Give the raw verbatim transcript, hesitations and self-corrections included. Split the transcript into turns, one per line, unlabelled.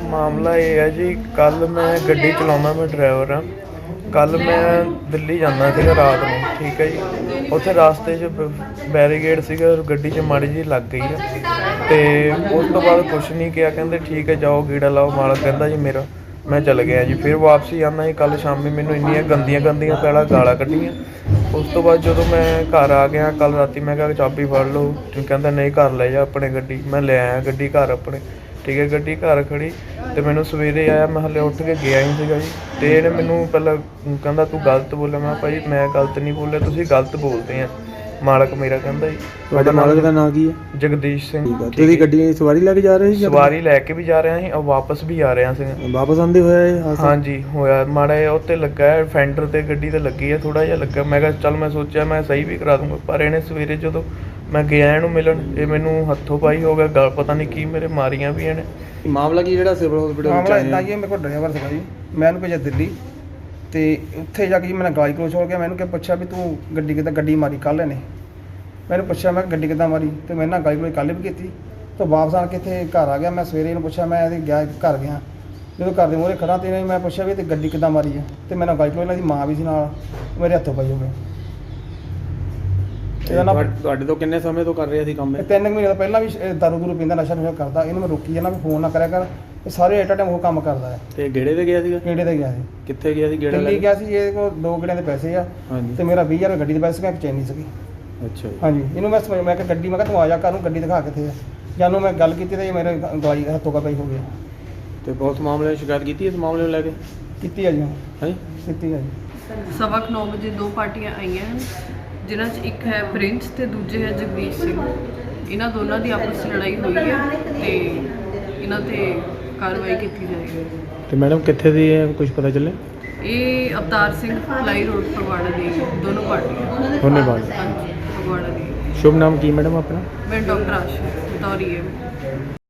ਮਾਮਲਾ ਇਹ ਹੈ ਜੀ, ਕੱਲ੍ਹ ਮੈਂ ਗੱਡੀ ਚਲਾਉਂਦਾ, ਮੈਂ ਡਰਾਈਵਰ ਹਾਂ। ਕੱਲ੍ਹ ਮੈਂ ਦਿੱਲੀ ਜਾਂਦਾ ਸੀਗਾ ਰਾਤ ਨੂੰ, ਠੀਕ ਹੈ ਜੀ। ਉੱਥੇ ਰਾਸਤੇ 'ਚ ਬ ਬੈਰੀਗੇਡ ਸੀਗਾ, ਗੱਡੀ 'ਚ ਮਾੜੀ ਜਿਹੀ ਲੱਗ ਗਈ ਆ ਅਤੇ ਉਸ ਤੋਂ ਬਾਅਦ ਕੁਛ ਨਹੀਂ ਕਿਹਾ, ਕਹਿੰਦੇ ਠੀਕ ਹੈ ਜਾਓ ਗੇੜਾ ਲਾਓ। ਮਾਲਕ ਕਹਿੰਦਾ ਜੀ ਮੇਰਾ, ਮੈਂ ਚਲ ਗਿਆ ਜੀ। ਫਿਰ ਵਾਪਸੀ ਆਉਂਦਾ ਜੀ, ਕੱਲ੍ਹ ਸ਼ਾਮੀ ਮੈਨੂੰ ਇੰਨੀਆਂ ਗੰਦੀਆਂ ਗੰਦੀਆਂ ਪਹਿਲਾਂ ਗਾਲਾਂ ਕੱਢੀਆਂ। ਉਸ ਤੋਂ ਬਾਅਦ ਜਦੋਂ ਮੈਂ ਘਰ ਆ ਗਿਆ ਕੱਲ੍ਹ ਰਾਤੀ, ਮੈਂ ਕਿਹਾ ਚਾਬੀ ਫੜ ਲਓ, ਕਹਿੰਦਾ ਨਹੀਂ ਘਰ ਲੈ ਜਾ ਆਪਣੇ ਗੱਡੀ। ਮੈਂ ਲੈ ਆਇਆ ਗੱਡੀ ਘਰ ਆਪਣੇ, ਠੀਕ ਹੈ। ਗੱਡੀ ਘਰ ਖੜ੍ਹੀ ਅਤੇ ਮੈਨੂੰ ਸਵੇਰੇ ਆਇਆ, ਮੈਂ ਹਾਲੇ ਉੱਠ ਕੇ ਗਿਆ ਹੀ ਸੀਗਾ ਜੀ। ਅਤੇ ਇਹਨੇ ਮੈਨੂੰ ਪਹਿਲਾਂ ਕਹਿੰਦਾ ਤੂੰ ਗਲਤ ਬੋਲਿਆ। ਮੈਂ ਭਾਈ ਮੈਂ ਗਲਤ ਨਹੀਂ ਬੋਲਿਆ, ਤੁਸੀਂ ਗਲਤ ਬੋਲਦੇ ਆ। ਮਾਲਕ ਮੇਰਾ ਕਹਿੰਦਾ ਜੀ।
ਤੁਹਾਡਾ ਮਾਲਕ ਦਾ ਨਾਂ ਕੀ ਹੈ?
ਜਗਦੀਸ਼ ਸਿੰਘ।
ਤੁਸੀਂ ਗੱਡੀ ਸਵਾਰੀ ਲੈ ਕੇ ਜਾ ਰਹੇ ਸੀ?
ਸਵਾਰੀ ਲੈ ਕੇ ਵੀ ਜਾ ਰਿਹਾ ਸੀ ਔਰ ਵਾਪਸ ਵੀ ਆ ਰਿਹਾ ਸੀ।
ਵਾਪਸ ਆਉਂਦੇ ਹੋਇਆ?
ਹਾਂਜੀ ਹੋਇਆ, ਮਾੜਾ ਜਿਹਾ ਉੱਤੇ ਲੱਗਾ ਹੈ, ਫੈਂਡਰ 'ਤੇ ਗੱਡੀ 'ਤੇ ਲੱਗੀ ਹੈ, ਥੋੜ੍ਹਾ ਜਿਹਾ ਲੱਗਾ। ਮੈਂ ਕਿਹਾ ਚੱਲ, ਮੈਂ ਸੋਚਿਆ ਮੈਂ ਸਹੀ ਵੀ ਕਰਾ ਦੂੰਗਾ, ਪਰ ਇਹਨੇ ਸਵੇਰੇ ਜਦੋਂ ਮੈਂ ਗਿਆ ਇਹਨੂੰ ਮਿਲਣ, ਇਹ ਮੈਨੂੰ ਹੱਥੋਂ ਪਾਈ ਹੋ ਗਿਆ, ਗਲ ਪਤਾ ਨਹੀਂ ਕੀ ਮੇਰੇ ਮਾਰੀਆਂ ਵੀ ਇਹਨੇ।
ਮਾਮਲਾ ਕੀ ਜਿਹੜਾ ਸਿਵਲ ਹਸਪੀਟਲ
ਮਾਮਲਾ ਇੱਦਾਂ ਜੀ, ਮੇਰੇ ਕੋਲ ਡਰਾਈਵਰ ਸੀਗਾ ਜੀ, ਮੈਂ ਇਹਨੂੰ ਭੇਜਿਆ ਦਿੱਲੀ ਅਤੇ ਉੱਥੇ ਜਾ ਕੇ ਜੀ ਮੈਨੂੰ ਗਾਲੀ ਗਲੋਚ ਹੋ ਗਿਆ। ਮੈਂ ਇਹਨੂੰ ਕਿਹਾ ਪੁੱਛਿਆ ਵੀ ਤੂੰ ਗੱਡੀ ਕਿੱਦਾਂ ਗੱਡੀ ਮਾਰੀ ਕੱਲ੍ਹ ਇਹਨੇ। ਮੈਨੂੰ ਪੁੱਛਿਆ ਮੈਂ ਗੱਡੀ ਕਿੱਦਾਂ ਮਾਰੀ, ਅਤੇ ਮੈਂ ਨਾਲ ਗਾਲੀ ਗਲੋਚ ਕੱਲ੍ਹ ਵੀ ਕੀਤੀ। ਤਾਂ ਵਾਪਸ ਆਣ ਕੇ ਇੱਥੇ ਘਰ ਆ ਗਿਆ। ਮੈਂ ਸਵੇਰੇ ਇਹਨੂੰ ਪੁੱਛਿਆ, ਮੈਂ ਇਹਦੇ ਗਿਆ ਘਰ ਗਿਆ, ਜਦੋਂ ਘਰ ਦੇ ਮੂਹਰੇ ਖੜ੍ਹਾ ਅਤੇ ਇਹਨੇ ਮੈਂ ਪੁੱਛਿਆ ਵੀ ਤੇ ਗੱਡੀ ਕਿੱਦਾਂ ਮਾਰੀ ਹੈ, ਅਤੇ ਮੈਨੂੰ ਗਾਲੀ ਗਲੋਚ, ਇਹਨਾਂ ਦੀ ਮਾਂ ਵੀ ਸੀ ਨਾਲ, ਮੇਰੇ ਹੱਥੋਂ ਪਈ ਹੋ ਗਏ। ਇਹਦਾ ਨਾ
ਤੁਹਾਡੇ ਤੋਂ ਕਿੰਨੇ ਸਮੇਂ ਤੋਂ ਕਰ ਰਿਹਾ ਸੀ ਕੰਮ?
ਤਿੰਨ ਕੁ ਮਹੀਨੇ ਤੋਂ ਪਹਿਲਾਂ ਵੀ ਦਾਰੂ ਦੂਰੂ ਪੀਂਦਾ, ਨਸ਼ਾ ਨੁਸ਼ਾ ਕਰਦਾ। ਇਹਨੂੰ ਮੈਂ ਰੋਕੀ ਜਾਂਦਾ ਵੀ ਫੋਨ ਨਾ ਕਰਿਆ ਕਰ, ਇਹ ਸਾਰੇ ਐਟ ਟਾਈਮ ਉਹ ਕੰਮ ਕਰਦਾ ਹੈ।
ਤੇ ਗੇੜੇ ਤੇ ਗਿਆ ਸੀਗਾ?
ਗੇੜੇ ਤੇ ਗਿਆ ਸੀ।
ਕਿੱਥੇ ਗਿਆ ਸੀ ਗੇੜਾ?
ਦਿੱਲੀ ਗਿਆ ਸੀ। ਇਹਦੇ ਕੋਲ ਦੋ ਗੇੜਿਆਂ ਦੇ ਪੈਸੇ ਆ,
ਹਾਂਜੀ,
ਤੇ ਮੇਰਾ ਵੀਹ ਹਜ਼ਾਰ ਗੱਡੀ ਦੇ ਪੈਸੇ ਸੀਗਾ, ਇੱਕ ਚੈਨੀ ਸੀਗੀ।
ਅੱਛਾ ਜੀ।
ਹਾਂਜੀ, ਇਹਨੂੰ ਮੈਂ ਸਮਝ, ਮੈਂ ਕਿਹਾ ਗੱਡੀ, ਮੈਂ ਕਿਹਾ ਤੂੰ ਆ ਜਾ ਘਰ ਨੂੰ, ਗੱਡੀ ਦਿਖਾ ਕਿੱਥੇ ਆ। ਜਾਨੂੰ ਮੈਂ ਗੱਲ ਕੀਤੀ ਤੇ ਮੇਰੇ ਗਵਾਈ ਹੱਥੋਂ ਕਾ ਪਈ ਹੋ ਗਿਆ।
ਤੇ ਪੁਲਿਸ ਮਾਮਲੇ ਸ਼ਿਕਾਇਤ ਕੀਤੀ ਇਸ ਮਾਮਲੇ ਨੂੰ ਲੈ ਕੇ?
ਕੀਤੀ ਆ ਜੀ,
ਹਾਂ
ਕੀਤੀ ਆ ਜੀ।
ਸਵਾ ਕੁ ਨੌ ਵਜੇ ਦੋ ਪਾਰਟੀਆਂ ਆਈਆਂ ਹਨ, ਜਿਨ੍ਹਾਂ 'ਚ ਇੱਕ ਹੈ ਪ੍ਰਿੰਸ ਤੇ ਦੂਜੇ ਹੈ ਜਗਦੀਸ਼ ਸਿੰਘ। ਇਹਨਾਂ ਦੋਨਾਂ ਦੀ ਆਪਸ 'ਚ ਲੜਾਈ ਹੋਈ ਹੈ ਤੇ ਇਹਨਾਂ 'ਤੇ ਕਾਰਵਾਈ ਕੀਤੀ ਜਾਏਗੀ।
ਤੇ ਮੈਡਮ ਕਿੱਥੇ ਦੀ ਹੈ, ਕੁਝ ਪਤਾ ਚੱਲੇ?
ਇਹ ਅਵਤਾਰ ਸਿੰਘ ਫਲਾਈ ਰੋਡ ਫਗਵਾੜਾ ਦੀ ਦੋਨੋਂ ਪਾਰਟੀਆਂ।
ਧੰਨਵਾਦ।
ਹਾਂਜੀ, ਫਗਵਾੜਾ ਦੀ।
ਸ਼ੁਭ ਨਾਮ ਕੀ ਮੈਡਮ ਆਪਣਾ?
ਮੈਂ ਡਾਕਟਰ ਆਸ਼ਾ ਬਤੌਰੀ ਹੈ।